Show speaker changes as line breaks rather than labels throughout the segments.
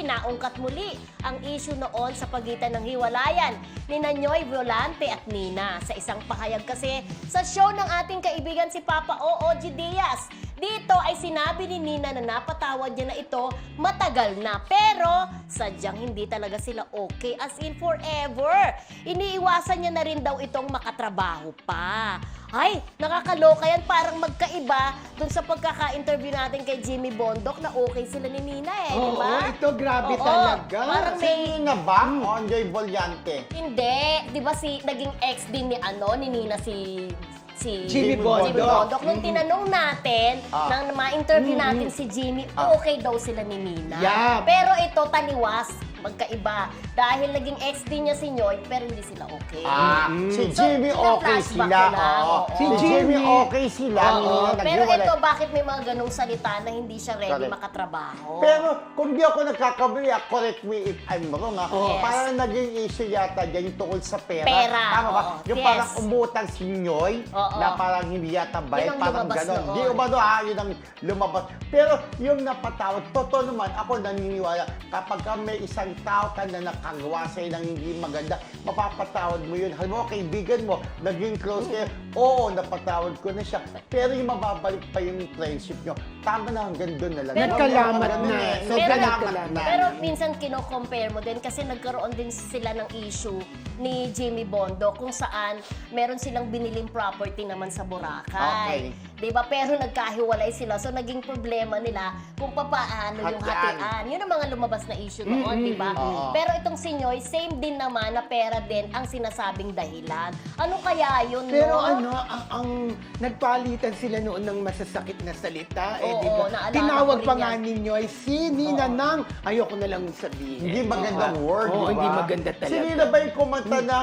naungkat muli ang issue noon sa pagitan ng hiwalayan ni Noy Violante at Nina. Sa isang pahayag kasi sa show ng ating kaibigan si Papa O.O.G. Diaz, dito ay sinabi ni Nina na napatawad niya na ito matagal na. Pero sadyang hindi talaga sila okay as in forever. Iniiwasan niya na rin daw itong makatrabaho pa. Ay, nakakaloka yan. Parang magkaiba dun sa pagkaka-interview natin kay Jimmy Bondoc na okay sila ni Nina di
Oo,
ba?
ito grabe
Oo,
talaga.
parang
Si Nina ba? O Joy Bollante?
Hindi. Di ba naging ex din ni Nina si
Jimmy Bondoc.
Nung tinanong natin, nang ma-interview natin si Jimmy, okay daw sila ni Nina.
Yeah.
Pero ito, taliwas, magkaiba. Dahil naging ex din niya si Noy, pero hindi sila okay.
Si
So,
Jimmy okay
pina-flashback
sila.
ko lang,
Oo.
oo.
Si Jimmy
Jimmy.
okay sila.
Oo.
Nina
Pero
naghiwalay.
ito, bakit may mga ganong salita na hindi siya ready
Correct.
makatrabaho?
Pero kung di ako nagkakamali, correct me if I'm wrong,
Yes.
parang naging issue yata dyan yung tungkol sa pera.
Pera,
Tama ba?
oo.
Yung
Yes.
parang umutang si Noy,
Oo.
na parang hindi yata
Yun
bayad,
ang
parang
lumabas
gano'n.
noon.
Di umano yun ang lumabas. Pero yung napatawad, totoo naman, ako naniniwala, kapag ka may isang tao ka na nakagawa sa'yo ng hindi maganda, mapapatawad mo yun. Halimbawa, kaibigan mo, naging close kayo, oo, napatawad ko na siya. Pero yung mababalik pa yung friendship nyo, tama na, hanggang doon na lang.
Nagkalamat
Ganun
na.
eh.
So,
Nagkalamat na.
Pero minsan kino-compare mo din kasi nagkaroon din sila ng issue ni Jimmy Bondoc kung saan meron silang biniling property naman sa Boracay.
Okay.
'Di ba? Pero nagkahiwalay sila. So naging problema nila kung papaano yung
Hatian.
hatian. Yun ang mga lumabas na issue noon, 'di ba?
Oo.
Pero itong si Noy, same din naman na pera din ang sinasabing dahilan. Ano kaya yun,
Pero
no?
ang nagpalitan sila noon ng masasakit na salita,
Oo,
di ba?
naalala
Tinawag
ko rin
pa
yan.
nga ninyo ay si Nina Nang, ayoko na lang sabihin.
Hindi magandang word,
Oo,
di ba?
hindi maganda talaga.
Si Nina ba yung kumanta ng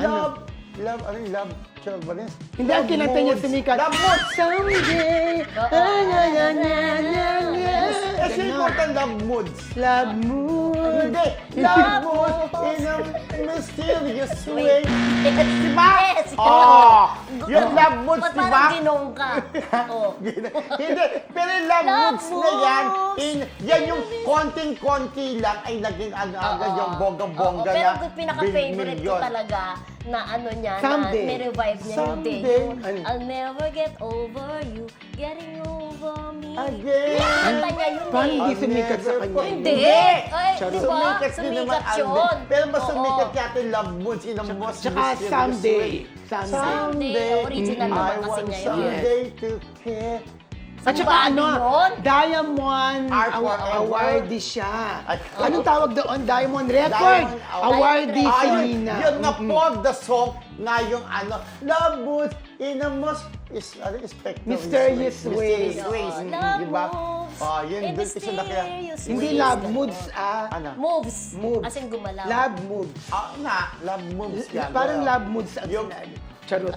love, Chalbanes?
Hindi, ang kinanta niya sumikat.
Love Moods!
Someday,
Kasi yung kumanta Love Moods.
Love mood.
Hindi, Love Moods in a mysterious way. Diba?
Yes!
Oo! Yung Love Moods,
Ba't
diba?
parang ginong ka? Oh.
Hindi, pero yung Love
Love
Moods na yan,
Moods.
yan yung konting-konti lang ay naging agad yung bongga-bongga
Pero
na
yung pinaka-favorite ko
bilyon.
talaga na ano niya,
Someday.
na may-revive niya
Someday.
hindi. Yung,
Ano?
I'll never get over you, getting over me.
Again.
Kanta niya yun
Parang hindi
eh.
sumikat sa kanya.
Hindi! Ay,
Charot.
di ba?
Sumikat din naman
Sumikat yun.
Pero mas
Oo.
sumikat yata yung Love Moods in a most
Tsaka
mysterious
Someday.
way.
Someday. Original naman
I
kasi
want
niya yun.
someday to care.
At saka
Ba,
ano,
yun?
Diamond
Art forever.
awardee siya.
At-
Anong tawag doon? Diamond Record.
Diamond
Awardee si
Ayun,
Nina.
yun na po the song na yung Love Moods in a most
Mysterious ways.
Oo, Love
Diba?
moves
Yun
in
doon isa na kaya.
mysterious
Hindi
ways.
love moods,
Ano?
Moves.
Moves.
As in gumalaw.
Love moods.
Love Moods yan.
Parang love moods ang
Yung-
sinabi. Charot.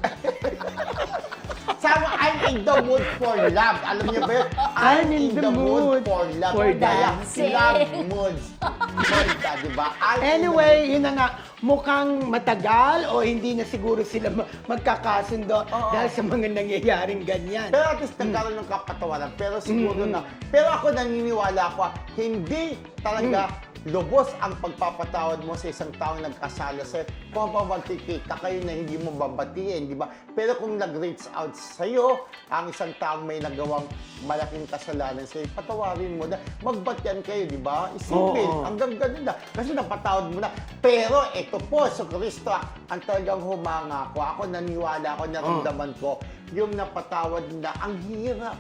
Sama, I'm in the mood for love. Alam niyo ba yun?
I'm in the mood
for love.
for
Kaya,
dancing.
Love moods. Diba? I'm in the
Anyway, yun na nga, mukhang matagal o hindi na siguro sila magkakasundo dahil sa mga nangyayaring ganyan.
Pero at least nagkaroon ng kapatawaran. Pero siguro na. Pero ako naniniwala ko, hindi talaga lubos ang pagpapatawad mo sa isang taong nagkasala sa'yo. Kung magkikita kayo na hindi mo babatiin, di ba? Pero kung nag-reach out sa'yo, ang isang taong may nagawang malaking kasalanan sa'yo, patawarin mo na. Magbatian kayo, di ba? Isipin,
Oo.
hanggang ganun na. Kasi napatawad mo na. Pero ito po, so Kristo, ang talagang humanga ko. Ako naniwala ko, naramdaman ko, yung napatawad na, ang hirap.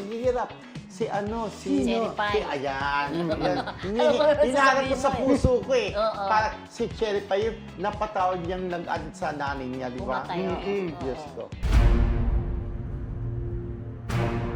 Sino?
Cherry Pie.
Ayan.
Ano ba
Hinaharap ko
sasabihin
sa
mo eh?
puso ko eh.
Oo.
Para si Cherry Pie, yung napatawad niyang nag-add sa nanay niya, di ba?
Pumatay, oo.
Diyos
Oo.
ko.